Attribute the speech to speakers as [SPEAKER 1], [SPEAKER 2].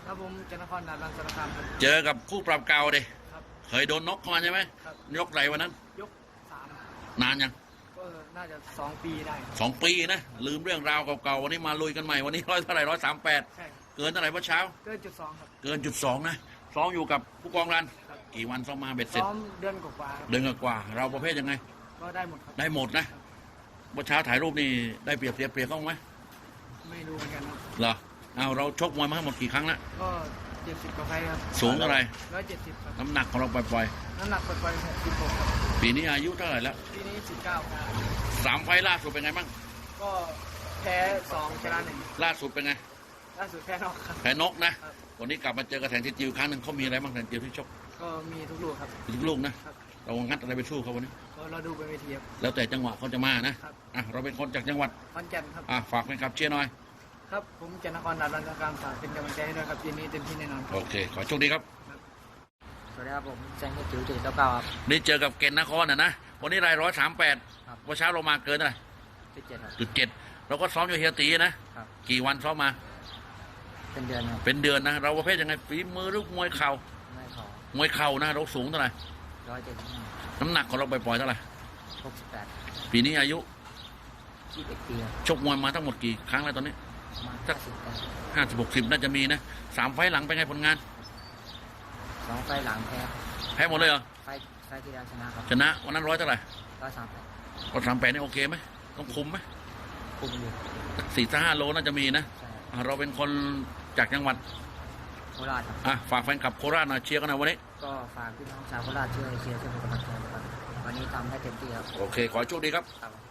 [SPEAKER 1] ครับผมจันทครดาบรังสารคามครับ
[SPEAKER 2] เจอกับคู่ปรับเก่าดิ
[SPEAKER 1] ครับ
[SPEAKER 2] เคยโดนน็อกเข้ามาใช่ไหม
[SPEAKER 1] ครับ
[SPEAKER 2] ยกไหนวันนั้น
[SPEAKER 1] ยก3
[SPEAKER 2] นานยัง
[SPEAKER 1] ก็น่าจะ2 ปีได้
[SPEAKER 2] 2 ปีนะลืมเรื่องราวเก่าๆวันนี้มาลุยกันใหม่วันนี้เท่าไหร่138
[SPEAKER 1] ใช่
[SPEAKER 2] เกินเท่าไหร่เมื่อเช้า
[SPEAKER 1] เกิน.2ครับ
[SPEAKER 2] เกิน1.2นะซ้อมอยู่กับผู้กองรัน
[SPEAKER 1] ครับ
[SPEAKER 2] กี่วันซ้อมมาเบ็ดเสร็จ
[SPEAKER 1] ซ้อมเดือนกว่าๆครับ
[SPEAKER 2] เดือนกว่าๆเราประเภทยังไง
[SPEAKER 1] ก็ได้หมดครับ
[SPEAKER 2] ได้หมดนะเมื่อเช้าถ่ายรูปนี่ได้เปรียบเสียเปรียบเขาไหม
[SPEAKER 1] ไม่รู้เหมือนกันครับ
[SPEAKER 2] เหรอเอาเราชกมวยมาทั้งหมดกี่ครั้งแล้ว
[SPEAKER 1] ก็70กว่าไฟครับ
[SPEAKER 2] สูงเท่าไหร่
[SPEAKER 1] 170ครับ
[SPEAKER 2] น้ำหนักของเราปล่อย
[SPEAKER 1] น้ำหนักปล่อยๆ66ครับ
[SPEAKER 2] ๆปีนี้อายุเท่าไหร่แล้ว
[SPEAKER 1] ปีนี้19ครับ
[SPEAKER 2] 3 ไฟล์ล่าสุดเป็นไงบ้าง
[SPEAKER 1] ก็แพ้2ชนะ1
[SPEAKER 2] ล่าสุดเป็นไง
[SPEAKER 1] ล่าสุดแพ้นอกครับ
[SPEAKER 2] แพ้นกนะครับ วันนี้กลับมาเจอกระแทนที่จิวครั้งหนึ่งเขามีอะไรบ้างแทนจิวที่ชก
[SPEAKER 1] ก็มีทุกลูกครับ
[SPEAKER 2] ทุกลูกนะครับ เรางัดอะไรไปสู้เขาวันนี้
[SPEAKER 1] ก็เราดูบนเวทีครับ
[SPEAKER 2] แล้วแต่จังหวะเขาจะมานะครับ อ่ะเราเป็นคนจากจังหวัด
[SPEAKER 1] ขอนแก่นครับ
[SPEAKER 2] ฝากเป็นขับเชียร์หน่อย
[SPEAKER 1] ครับผมจันทครดาบรังสารคามฝากเป็นกำลังใจให้ด้วยครับทีนี้เต็มที่แน่นอนครับ
[SPEAKER 2] โอเค ขอโชคดีครับ
[SPEAKER 1] สวัสดีครับผมแจ้งให้จิ๋ว799ครับ
[SPEAKER 2] นี่เจอกับเกณฑ์นครนะวันนี้ราย138
[SPEAKER 1] ครับ
[SPEAKER 2] วันเช้าเรามาเกินเท่าไหร่
[SPEAKER 1] 17ครับ
[SPEAKER 2] 7เราก็ซ้อมอยู่เฮียตีนะครับ กี่วันซ้อมมา
[SPEAKER 1] เป็นเดือนครับ
[SPEAKER 2] เป็นเดือนนะเราประเภทยังไงฝีมือหรือมวยเข่า
[SPEAKER 1] ไม่พอ
[SPEAKER 2] มวยเข่านะเราสูงเท่าไหร่
[SPEAKER 1] 175
[SPEAKER 2] น้ำหนักของเราปล่อยๆเท่าไหร่
[SPEAKER 1] 68
[SPEAKER 2] ปีนี้อายุ
[SPEAKER 1] 21ปีครับ
[SPEAKER 2] ชกมวยมาทั้งหมดกี่ครั้งแล้วตอนนี้
[SPEAKER 1] ประมาณ
[SPEAKER 2] สัก 50-60น่าจะมีนะ3 ไฟล์หลังเป็นไงผลงาน
[SPEAKER 1] 2ไฟล์หลังแพ้
[SPEAKER 2] แพ้หมดเลยเหรอ
[SPEAKER 1] ไฟล์ที่แล้วชนะครับ
[SPEAKER 2] ชนะวันนั้น100เท่าไหร่
[SPEAKER 1] 138
[SPEAKER 2] 138นี่โอเคไหมต้องคุมไหม
[SPEAKER 1] คุมอยู่
[SPEAKER 2] 4-5 โลน่าจะมีนะ
[SPEAKER 1] ใช่
[SPEAKER 2] เราเป็นคนจากจังหวัด
[SPEAKER 1] โคราชครับ
[SPEAKER 2] ฝากแฟนคลับโคราชหน่อยเชียร์กันหน่อยวันนี้
[SPEAKER 1] ก็ฝากพี่น้องชาวโคราชช่วยเชียร์ช่วยเป็นกำลังใจนะครับวันนี้ทำให้เต็มที่ครับ
[SPEAKER 2] โอเค ขอให้โชคดีครับ
[SPEAKER 1] ครับ